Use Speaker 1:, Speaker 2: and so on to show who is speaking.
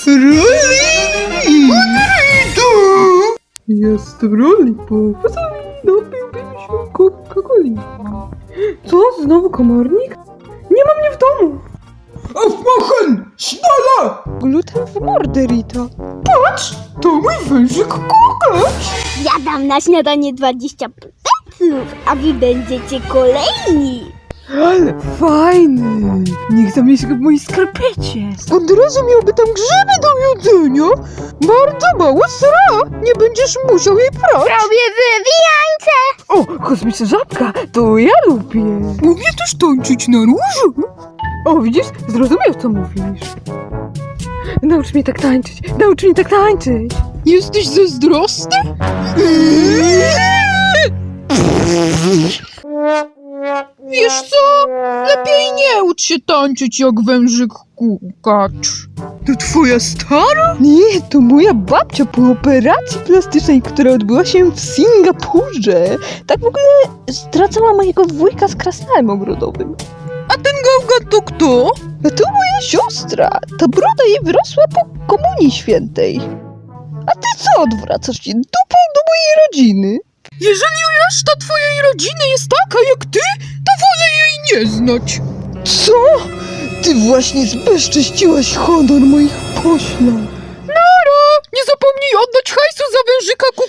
Speaker 1: Froli! Jestem Lollipop. Napiłbym się Coca-Coli. Co? Znowu komornik? Nie ma mnie w domu. Aufmachen! Schneller! Gluten w mordę, Rita. Patrz! To mój wężyk Kokacz!
Speaker 2: Ja dam na śniadanie 20 pleców, a wy będziecie kolejni.
Speaker 1: Ale fajny! Niech zamieszka w mojej skarpecie. Od razu miałby tam grzyby do jedzenia. Bardzo mała sra. Nie będziesz musiał jej prać.
Speaker 2: Robię wywijańce.
Speaker 1: O, kosmiczna żabka, to ja lubię. Lubię też tańczyć na różu. O, widzisz? Zrozumiał, co mówisz. Naucz mnie tak tańczyć. Naucz mnie tak tańczyć. Jesteś zazdrosny? Wiesz co? Lepiej nie ucz się tańczyć jak wężyk Kukacz. To twoja stara? Nie, to moja babcia po operacji plastycznej, która odbyła się w Singapurze. Tak w ogóle stracała mojego wujka z krasnalem ogrodowym. A ten gałgan to kto? A to moja siostra. Ta broda jej wyrosła po Komunii Świętej. A ty co odwracasz się dupą do mojej rodziny? Jeżeli reszta twojej rodziny jest taka jak ty, to wolę jej nie znać. Co? Ty właśnie zbezcześciłaś honor moich poślad. Nara! Nie zapomnij oddać hajsu za wężyka